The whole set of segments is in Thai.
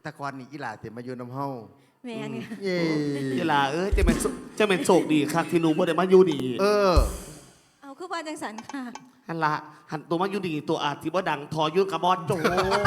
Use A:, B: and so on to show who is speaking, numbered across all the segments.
A: ตะกอนนี่อีหลาเต็มมาอยู่น้ำเฮา
B: แม่นค่ะ
A: เย่
C: เวลาจะเป็นโศกดีครับที่หนูบ่ได้มาอยู่ดี
B: เอาคือว่าจังสันค่ะ
C: หันละหันตัวมาอยู่ดีตัวอาจที่บ่ดังทอยุ่กับบอสโจ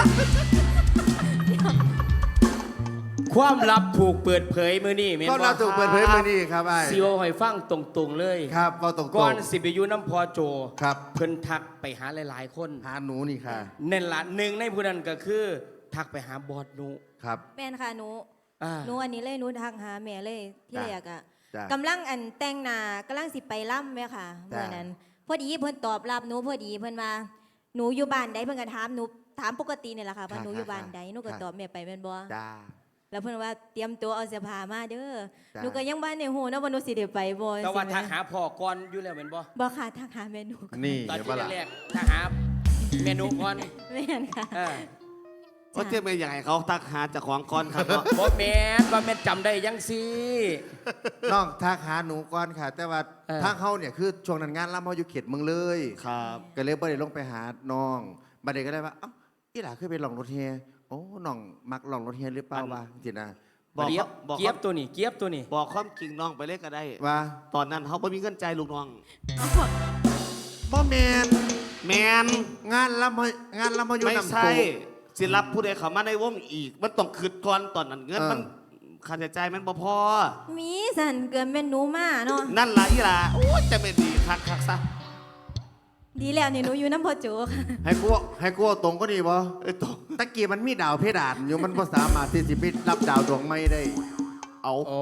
D: ความลับถูกเปิดเผยมื้อนี้แม่น
A: ก็
D: บ่
A: เราถูกเปิดเผยมานี่ครับไอ้
D: สิเว้าให้ฟังตรงๆเลย
A: ครับเราตรง
D: ก่อนสิไปอยู่น้ำพอโจ
A: ครับ
D: เพิ่นทักไปหาหลายๆคน
A: หาหนูนี่ค่ะ
D: นั่นล่ะหนึ่งในผู้นั้นก็คือ ทักไปหาบอสหนู
A: ครับ
B: แม่นค่ะหนู
D: อ่า
B: หนูอันนี้เลยหนูทักหาแม่เลยที่
A: จ้ะ
B: แรกอะ
A: จ้ะ
B: กำลังอันแต่งหน้ากำลังสิไปล่ำแม่ค่ะ
A: จ้ะ
B: เมื่อนั้น พอดีเพิ่นตอบรับหนูพอดีเพิ่นว่าหนูอยู่บ้านใดเพิ่นก็ถามหนูถามปกตินี่แหละค่ะว่าหนูอยู่บ้านใดหนูก็ตอบแม่ไปแม่นบ่
A: จ้า
B: แล้วเพิ่นว่าเตรียมตัวเอาเสื้อผ้ามาเด้อ
A: จ้ะ
B: หนูก็ยังบ้านในหูนะว่าหนูสิได้ไปบ่
D: แต่ว่า
B: สิแม่
D: ทักหาพ่อก่อนอยู่แล้วแม่นบ่
B: บ่ค่ะทักหาแม่หนู
A: นี่
D: ตอน
A: เดี๋ยว
D: ที่
A: ว่าล่ะ
D: แรกๆทักหาเมนูก่อน
B: แม่นค่ะ
D: เออ
C: ก็จะเป็นอย่างไรเขาตักหาจากของก่อนครับเนาะ
D: บ่แม่นว่าแม่นจำได้ยังสิ
A: น้องทักหาหนูก่อนค่ะ แต่ว่า
D: เออ
A: ทางเขาเนี่ยคือช่วงนั้นงานล่ำเขาอยู่เขตเมืองเลย
C: ครับ
A: ก็เลยบ่ได้ลงไปหาน้องบัดนี้ก็ได้ว่าเอ้าอีหลาเคยไปลองรถเฮียโอ้น้องมักลองรถเฮียหรือเปล่าวะจริงนะ
C: บอก
D: เกียบ
C: บอก
D: เกียบตัวนี้เกียบตัวนี้
C: บอกความจริงน้องไปเลยก็ได้
A: ว่า
C: ตอนนั้นเขาไม่มีเงินใจายลูกน้อง
A: บ่แมน
C: แมน
A: งานล่ำเขาอยู่
C: ไม่
A: นำ
C: ใช่
A: โต
C: สิรับผู้ใดเข้ามาในวงอีก มันต้องคืดก่อนตอนนั้นเงิน
A: เออ
C: มันค่าใช้จ่ายมันบ่พอ
B: มีสันเกินเป็นหนูมาเนาะ
C: นั่นล่ะอีหล่ะโอ้ยจะไม่ดีคักซะ
B: ดีแล้วนี่หนูอยู่น้ำพ่อโจค่ะ
A: ให้กูเอาตรงก็ดีบ่
C: ตก
A: ตะกี้มันมีดาวเพดานอยู่มันบ่สามารถที่สิไปรับดาวดวงใหม่ได้
C: เอา
D: โอ้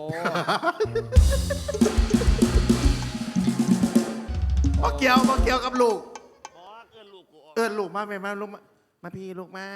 A: บ่เกี่ยวกับลูก
C: บอกเกินลูกกูออก
A: ลูกมาแม่มาลูกมาพี่ลูกมา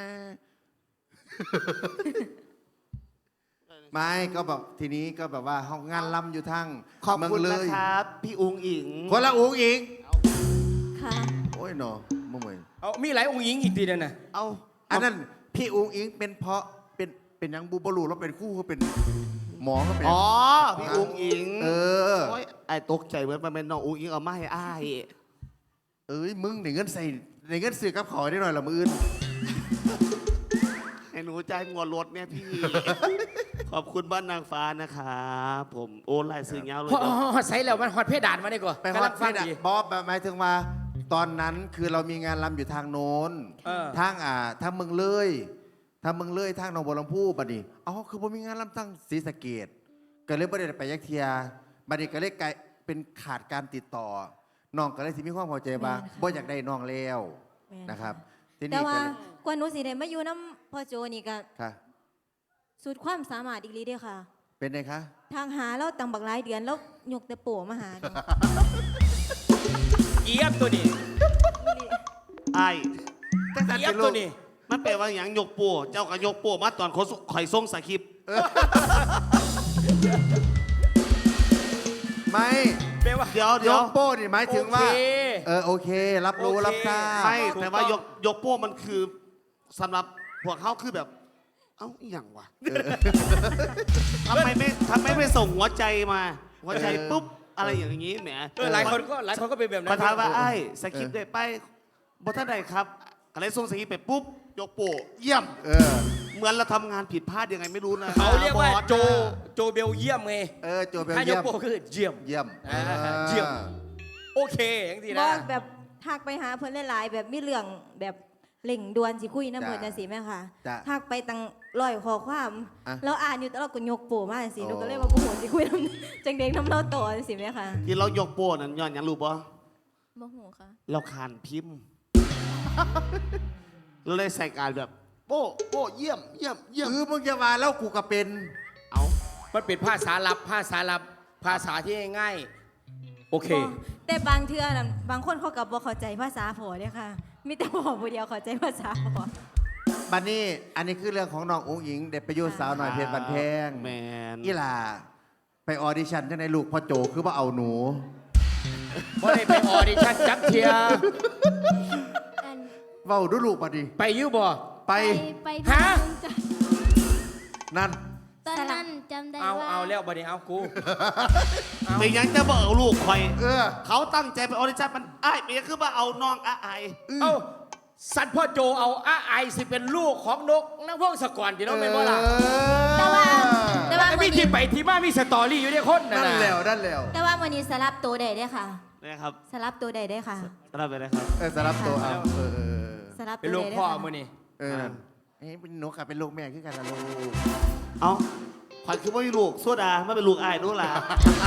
A: ไม่ก็แบบทีนี้ก็แบบว่าห้องงานล่ำอยู่ทั้ง
C: ขอบคุณ
A: เมื
C: นะ
A: งเลย
C: ครับ พี่อุงอิง
A: คนละอุ๋งอิง
B: ค่ะ
A: โอ้ยหนอบ่เหมือน
D: เอามีหลายองค์หญิงอีกทีนั่นน่ะ
C: เอา
A: อันนั้นพี่อุ๋งอิงเป็นเพราะเป็นหยังบูบลูแล้วเป็นคู่เขาเป็นหมอเขาเป็น
C: อ๋อ พี่อุงอิง
A: เออ
C: โอ้ยไอ้ตกใจเหมือนมันเป็นน้องอุงอิงเอามาให้อ้าย
A: เอ้ยมึงในเงินใส่ในเงินซื้อกับขอได้หน่อยละมืออื่น
C: ให้หนูจ่ายงวดรถเนี่ยพี่ ขอบคุณบ้านนางฟ้านะครับผมโอนลายซื้อเงาเลย
D: ฮอดใส่แล้วมันฮอดเพดานมาได้ก่อน
A: ไปฮ
D: กำ
A: อ
D: ลั
A: ต
D: ง
A: เพ
D: ฟัง
A: ดาน
D: ดี
A: บอบหมายถึงว่า ตอนนั้นคือเรามีงานลำอยู่ทางโน้น
D: เออ
A: ทางเมืองเลยทางหนองบัวลำพูบัดนี้อ๋อคือผมมีงานลำทั้งศรีสะเกษก็เลยไม่ได้ไปยักเทียบัดนี้ก็เลยกลายเป็นขาดการติดต่อน้องก็เลยสิมีความพอใจว่า
B: แม่นค่ะ
A: บ่อยากได้น้องแล้ว
B: แม่น
A: นะครับที
B: แต่
A: นี้
B: ว่า
A: ก็เลย
B: กว่าหนูสิได้มาอยู่น้ำพ่อโจนี่ก็
A: ค่ะ
B: สุดความสามารถอีกลีเด้อค่ะ
A: เป็นไงคะ
B: ทางหาเราตั้งบักหลายเดือนแล้วยกแต่โป้มาหาหนู
D: เกียบตัวนี้
C: ไอ้าย
A: ตั้งแต่
D: เกียบ
A: เป็นลู
D: ตัว
A: ก
D: นี้
C: มันแปลว่าอย่างยกปูเจ้าก็ยกปูมาตอนข่อยส่งสคริปต์
A: ไม่
D: แปลว่า
C: เดี๋ยว
A: ยกโป้นี่หมายถึงว่า
D: โอเค
A: โอเค รับรู้
D: โอเค
A: รับทราบ
C: ไม่
D: ถูก
C: แต่ว่า
D: ต้อง
C: ยกโป้มันคือสำหรับพวกเขาคือแบบ เอ้าอหย่างวะทำไมไม่ส่งหัวใจมา หัวใจปุ๊บอะไรอย่างนี้แหม
D: หลายคนก็เป็นแบบนั้
C: ป
D: น
C: ระธานว่าไอ้สคริปต์ได้ไปบทท่านใดครับอะไรส่งสคริปต์ไปปุ๊บยกโป้เยี่ยม เหมือนเราทำงานผิดพลาดยังไงไม่รู้นะ
D: เขาเรียกว่า
C: บอส
D: โจเบลเยี่ยมไง
A: โจเบล
D: ถ้าย
A: เยี่
D: ก
A: ยม
D: โปคือเยี่ยม
A: เยี่ยม
D: เยี่ยม โอเคอย่างที่
B: บ
D: นะ
B: อกแบบทักไปหาเพิ่นหลายๆแบบมีเรื่องแบบเล่งด่วนสิคุยน้ำเพิ่น
A: จ้ะ
B: จังซี่แม่ค่ะ
A: จ้ะ
B: ทักไปตั้งร้อยข้อความ
A: อ่ะ
B: แล้วอ่านอยู่แต่เราก็ยกโป้มาจังซี่
A: โอ้
B: หนูก็เลยว่าบ่ฮู้สิคุยน้ำจังเด็กน้ำเราต่อจังซี่แม่ค่ะ
C: ที่เรายกโป้นั้นย้อนหยังรู้ปะ
B: บ่ฮู้ค่ะ
C: เราคานพิมพ์ เราเลยใส่การแบบโป้เยี่ยม
A: มึงจะมาแล้วกูก็เป็น
C: เอา
D: มันเป็นภาษาลับ ภาษาที่ง่ายๆโอเค
B: บ่แต่บางเทื่อน่ะบางคนเขาก็บ่เข้าใจภาษาพ่อเด้อค่ะ มีแต่พ่อผู้เดียวเข้าใจภาษาพ่อ
A: บัดนี้อันนี้คือเรื่องของน้ององค์หญิงเด็กประยุทธ์สาวหน่อยเพชรบันแพง
C: แมน
A: อีหล่าไปออดิชั่นจังในลูกพ่อโจคือว่าเอาหนู
D: เพราะได้ไปออดิชั่นจักเทีย
E: อัน
A: เว้าดูลูกบัดนี้
D: ไปอยูบ่
A: ไป
E: ไป
D: ฮะ
A: นั่น
E: ตอนนั้นจำได้
D: เอา
E: ว่า
D: เอาแล้วบัดนี้เอากู
C: ไม่ยังจะบอกเอาลูกคอย
A: เออ
C: เขาตั้งใจไปออดิชั่นมันอ้ายไม่ยังคือว่าเอาน้องอ้าย
D: เอ้าสันพ่อโจเอาอาไอสิเป็นลูกของนกนักพงศกรที่น้องเป็นบ่ล่ะ
B: แต่ว่า
D: ไอ้
B: มื้
D: มี
B: อ
D: ที่
B: นี้
D: ไปที่มามีสตอรี่อยู่ในคน
A: นั่น
D: น่ะ
A: แล้วนั่นแล้ว
B: แต่ว่ามื้อนี้สลับตัวได้เด้อค่ะ
C: นะครับ
B: สลับตัวได้เด้อค่ะ
C: รับไปเลยครับ
A: สำหรับตัวเอา
B: สลับ
D: เป็น
B: ตัว
D: ลูก
B: ได้เด้
D: พ่อ
B: อค่ะ
D: มื้อนี้
A: นั่นเฮ้ยเป็นนกค่ะเป็นลูกแม่คือกันนะลูก
C: เอาขวัญคือว่ามีลูกโซดาไม่เป็นลูกอายนู่นล่ะ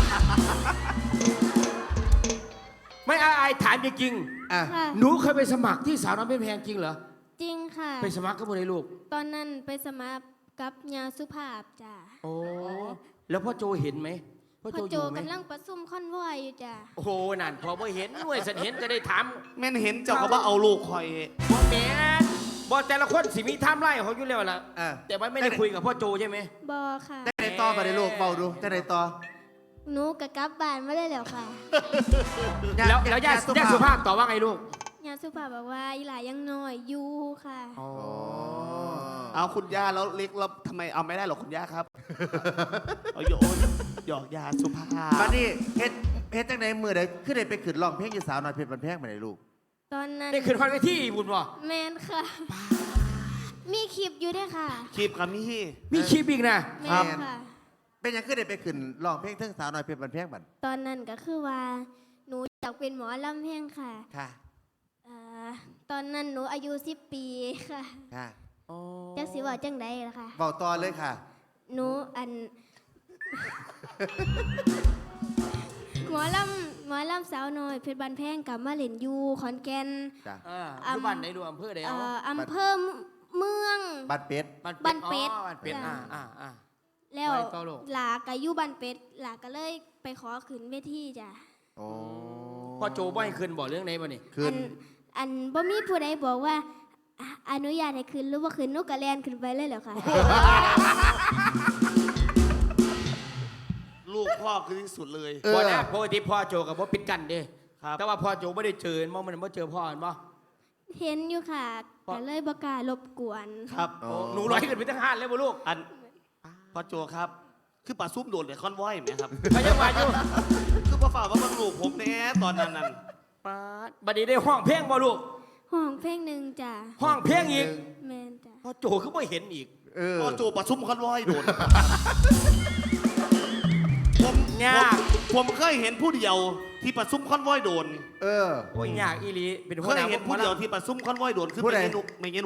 D: ไม่อาไอถามจริง
A: อ่ะ
E: ค่ะ
D: ๆหนูเคยไปสมัครที่สาวน้อยเพชรแพงจริงเหรอ
E: จริงค่ะ
D: ไปสมัครกับบ่ได้ลูก
E: ตอนนั้นไปสมัครกับยาสุภาพจ้ะ
D: โอ้แล้วพ่อโจเห็นไหมพ่อ
E: พ่อ
D: โจอ
E: โจ
D: ยู่ไหม
E: กำลังประชุมคอนวอยอยู่จ้ะ
D: โอ้โหนั่นพอบ่เห็นหน่วยสันเห็นจะได้ถาม
C: แม่นเห็นเจ้าก็ว่าเอาลูกคอย
D: บ่แม่นบ่แต่ละคนสิมีไทม์ไลน์ของเขาอยู่แล้วล่ะ
A: อ่ะ
D: แต่ว่าไม่ได้คุยกับพ่อโจใช่ไหม
E: บอค่ะ
A: จะได้ต่อมาได้ลูกเบาดูจะได้ต่อ
E: หนูกะกลับบ้านมาได้แล้วค่ะ
D: แล้วย่าสุภาพตอบว่าไงลูก
E: ยาสุภาพบอกว่าอีหลายังน้อยอยู่ค่ะ
A: อ๋อ
C: เอาคุณย่าแล้วเล็กแล้วทำไมเอาไม่ได้หรอกคุณย่าครับ เอาหยอกยาสุภาพ
A: บัดนี้เฮ็ดจังไดมือใดขึ้นได้ไปขึ้นร้องเพลงอยู่สาวน้อยเพชรบันแพงมาได้ลูก
E: ตอนนั้น
D: ได้ขึ้นคอนเวทีบุญบ่
E: แมนค่ะ มีคลิปอยู่ด้วยค่ะ
C: คลิปกับมี่
D: มีคลิปอีกนะ
E: แม
A: ครับ
E: นค่ะ
A: เป็นหยังขึ้นได้ไปขึ้นร้องเพลงเทิงสาวน้อยเพชรบันแพงบัด
E: ตอนนั้นก็คือว่า หนูอยากเป็นหมอลำแห้งค่ะ
A: ค่ะ
E: อ่าตอนนั้นหนูอายุ10 ปีค่ะ
A: ค่ะ
E: จักสิว่าจังใดล่ะค่ะ
A: เบาต่อเลยค่ะ
E: หนูอัน หมอลำสาวน้อยเพชรบันแพงกับมาเล่นอยู่ขอนแก่น
A: จ้ะ
D: อยู่บ้านไหนดูอำเภอใดเอา
E: อำเภอเมือง
A: บัดเป็ด
E: บ้านเป็ด
D: อ๋อบ้านเป็ด
E: จ้ะ
D: อ่า
E: แล้ว
D: ไว้ต่อลูก
E: หลากะอยู่บ้านเป็ดหลาก็เลยไปขอขึ้นเวทีจ้ะ
A: โอ้
D: พ่อโจบ่ให้ขึ้นบ่เรื่องไหนบ่นี่
A: ขึ้น
E: อันบ่มีผู้ใดบอกว่าอนุญาตให้ขึ้นหรือว่าขึ้นนกกระแลนขึ้นไปเลยเหรอคะ
C: ลูกพ่อคือที่สุดเลย
D: บ่นะปกติพ่อโจกับบ่ปิดกันเด้
C: ครับ
D: แต่ว่าพ่อโจบ่ได้เจอมันบ่เจอพ่อเห็นบ่
E: เห็นอยู่ค่ะก็เลยบ่กล้ารบกวน
C: ครับ
D: หนูร้อยขึ้นไปทั้งห้านเลยบ่ลูก
C: อันพ่อโจครับ คือป่าซุ่มโดดเลยคอนวอยไหมครับ
D: ก็ยังว่าอยู่
C: คือพ่อฝ่ากว่าบางลูกผมแน่ตอนนั้น
D: ป๊าดบัดนี้ได้ห้องเพลงบ่ลูก
E: ห้องเพลงหนึ่งจ้ะ
D: ห้องเพลงอีก
E: แมนจ้ะ
D: พ่อโจคือบ่เห็นอีก
C: พ่อโจป่าซุ่มคอนวอยโดดผม
D: ยาก
C: ผมเคยเห็นผู้เดียวที่ป่าซุ่มคอนวอยโดน
A: เออ
D: โอ้ยยากอีหลีเป็น
C: เค
D: หัวย หน้า
C: เห็นผู้เดียวที่ป่าซุ่มคอนวอยโดนคือ
A: ผู้ใด
C: ไม่เงี้ยหนู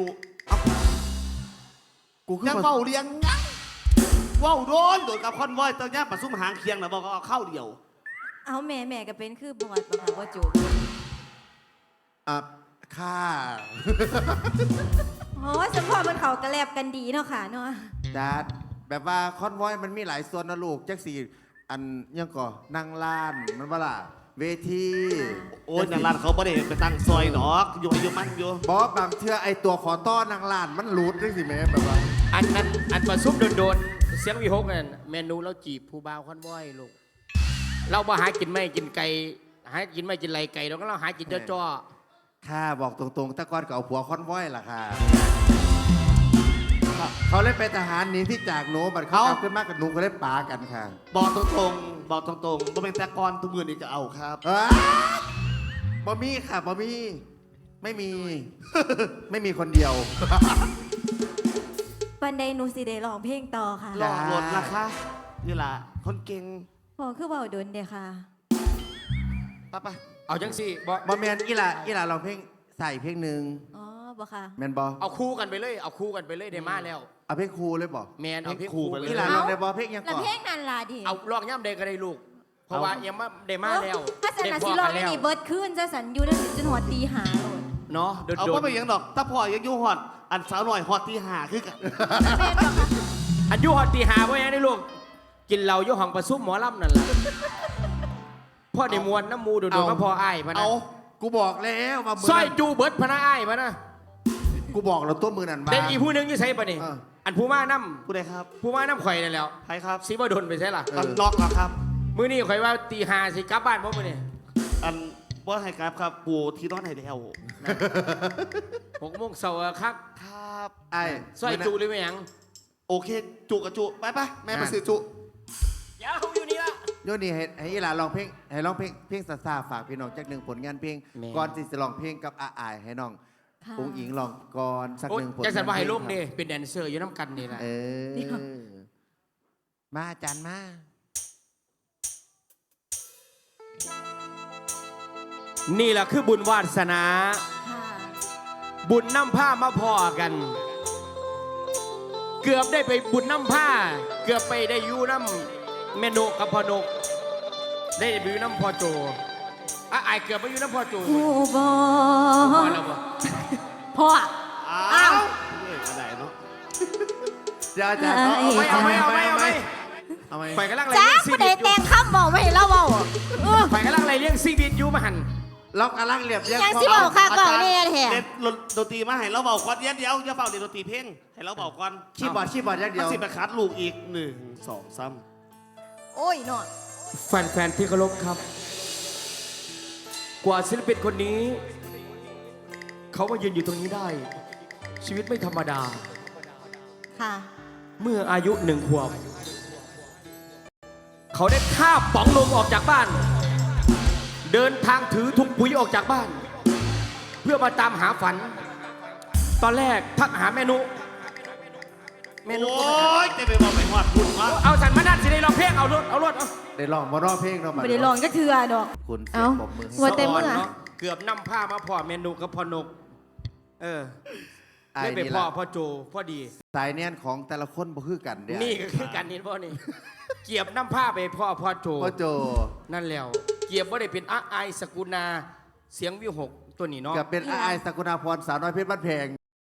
A: กูคือ
C: ยัง
A: บ่
C: เฝ้าเลี้ยงยังเฝ้าโดนกับคอนวอยตอนนี้ป่าซุ่มหางเคียงนะบอกเอาเข้าเดียว
B: เอาแม่ก็เป็นคือบอดบ่ค่ะว่าจูบ
A: อ่ะค่ะ
B: โอ้ยสมพอมันเขากระแลบกันดีเนาะค่ะเนาะ
A: จัดแบบว่าคอนวอยมันมีหลายส่วนนะลูกจักสี่อันยังก่อนั่งล้านมันว่าล่ะเวที
C: โอ้ยนางร้านเขาไม่ได้ไปตั้งซอยหนอกอยู่อายุมันอยู่
A: บอสบางเทื่อไอตัวขอต้อนางล้านมันหลุดด้วยสิแม่แบบว่า
D: อันนั้นอันประซุบโดนๆเสียงวิหกนั่นเมนูเราจีบผู้บ่าวคอนวอยลูกเราบ่หากินไม่กินไก่หากินไม่กินไรไก่เราก็เราหากินจ้อ
A: ค่ะบอกตรงๆแต่ก่อนก็เอาผัวคอนวอยล่ะค่ะ เขาเล่นเป็นทหารหนีที่จากหนูบัดเขากลับขึ้นมากับหนูก็เล่นปากันค่ะ
C: บอกตรงๆบอกตรงๆบ่เป็นแต่ก่อนทุกมือนี่จะเอาครับ
A: อ้าบอมี่ค่ะบอมี่ไม่มี ไม่มีคนเดียว
B: ปันใดหนูสิได้ร้องเพลงต่อค่ะ
C: หลอกหลดนะคะนี่ล่ะคนเก่ง
B: พอคือเบาดนเด้อค่ะ
C: ไป
D: ๆเอาจังสิบ่
A: บอแมนอีหล่าลองเพลงใส่เพลงหนึ่ง
B: อ๋อบ่ค่ะ
A: แมนบอ
D: เอาคู่กันไปเลยเอาคู่กันไปเลยได้มาแล้ว
A: เอาเพลงครูเลยบอ
D: แมนเอาเพลงคู่ไปเลย
A: อีหล่าลองได้บอเพลงยัง
B: แล้ว
A: ก่อน
B: เพลงนั้นล่ะดิ
D: เอาลองย่ำใดก็ได้ลูก เพราะว่ายังไม่ได้มาแล้ว
B: ถ้าสัน
D: ได้
B: น่ะ
D: พ
B: สิ
D: อ
B: ร้อ
D: กั
B: ง
D: น
B: ได้
D: แล้ว
B: นี่เบิดขึ้นจะสันอยู่ได้จนหัวตีหาโลด
D: เนาะโด
C: เอา
D: น
C: ก็ไม่ยังดอก ถ้าพ่อยังอยู่หอด อันสาวหน่อยหอดที่หาคือกัน
B: แม่นบ่ค่ะ
D: ๆอันอยุหอดตีหาเพราะยังได้ลูกกินเหล้าอยุห้องประซุ่มหมอลำนั่นแหละพ่อได้มวนน้ำมูโดดๆมาพออ้ายพะนะ
A: เอากูบอกแล้วว่ามื
D: สร้อย
A: นั้น
D: จูเบิร์ดพะนะอ้ายพะนะ
A: กูบอกแล้วตัวมือนั่นมา
D: เด็กอีกผู้หนึงอยี่ใส่ปะนี่
A: เออ
D: อันผู้มาน้
C: ผู้ใดครับ
D: ำผู้มาน้ำข่อยนั่นแหล้ว
C: ใครครับ
D: ซีบดนไปใช่ล่ะ
C: อันล็อกเหรอครับ
D: มื้อนี้ข่อยว่าตีหาสิกลับบ้านบ่มื้อนี้
C: อันว่าให้ครับครับปูที่นอนให้แล้ว
D: 6 โมงเช้าอะครับ
C: ครับ
A: ไอ้
D: สร้อยจูหรือไม่หยัง
C: โอเค จุกับจุไปแม่ไปซื้อจุ
D: เดี๋ยวอยู่นี่ละ
A: โยนี่ให้อีหล่าลองเพลงให้ร้องเพลงซาซาฝากพี่น้องจากหนึ่งผลงานเพลง
D: แม่
A: ก่อนที่จะร้องเพลงกับอาอายให้น้อง
B: ค่ะ
A: องค์อิงลองก่อนสัก
D: โอ้ย
A: หนึ่งผล
D: จังสันว่าให้
A: งานเพ
D: ลู
A: ง
D: ก
A: ครับ
D: นี่เป็นแดนเซอร์อยู่น้ำกันนี่แหละ
A: เออมาอาจารย์มา
D: นี่แหละคือบุญวาสนา
B: ค่ะ
D: บุญน้ำผ้ามาพอกัน เกือบได้ไปบุญน้ำผ้า เกือบไปได้อยู่น้ำเมนูกับพ่อนก ได้ไปอยู่น้ำพ่อโจไอายเกือบไปอยู่น้ำพ่อโจ
B: หูบอ
D: พอแล้วบ่
B: พ่อ
C: อ้าวเอ้ยกระไดเนาะ
A: เดี๋ยวอาจารย์
D: เอาไหมเอาไหมเอาไหมเอาไหม
A: เอาไหม
D: ไปกำลังไร
B: จ้า
D: เลี้ยงซี
B: ผู้ใด
D: บิดอ
B: แต่
D: ยู่
B: งคำบอกไม่ให้เราเบา
D: ไปกำลังไรเลี้ยงซีบิดอยู่มาหัน
A: ล็อกกำลังเรียบเรียง
B: ยังสิบอกค่ะก่อนเนี่ยแท้
C: เล่นดนตรีมาให้เราเบาก่อนเดี๋ยวอย่าเฝ้าเล่นดนตรีเพลงให้เราเบาก่อน
A: คีย์บอร์ดอย่างเดี
C: มั
A: ย
C: น
A: ว
C: สิไปคัดลูกอีก1 2 3
B: โอ้ยเนาะ
D: แฟนๆที่เคารพครับ กว่าศิลปินคนนี้ เขามายืนอยู่ตรงนี้ได้ ชีวิตไม่ธรรมดา
B: ค่ะ
D: เมื่ออายุ1 ขวบ เขาได้คาบป๋องนมออกจากบ้าน เดินทางถือถุงปุ๋ยออกจากบ้าน เพื่อมาตามหาฝัน ตอนแรกทักหาแม่นุแม่นุ
C: โอ้ยจะไปบอกไปหอดคุณวะ
D: เอาสันมาดันสิได้ร้องเพลงเอารถเอา
A: ได้ลองมาร้องเพลงเนาะ
B: ไม่ได้ลองก็เถื่อดอก
A: คุณเสีย
B: เอ้าง
A: ปรบมือให้
B: ว่าเต็ม
D: สะ
B: มื
D: น
B: อ
D: เนาะเกือบนำผ้ามาพ่อเมนูกับพ่อนก เออ
A: ไอ้
D: ได้ไป
A: นี่
D: พ่อ
A: ละ
D: พ่อโจพ่อดี
A: สายเนียนของแต่ละคนบ่คือกันเด้
D: นี่ก็คือการนี้พ่อนี่ เกียบน้ำผ้าไปพ่อโจ
A: พ่อโจ
D: นั่นแล้ว เกียบว่าได้เป็นอาไอายสกุณาเสียงวิวหกตัวนี้เนาะ
A: กับเป็นไอ้ายสกุณาพรสาวน้อยเพชรบ้านแพง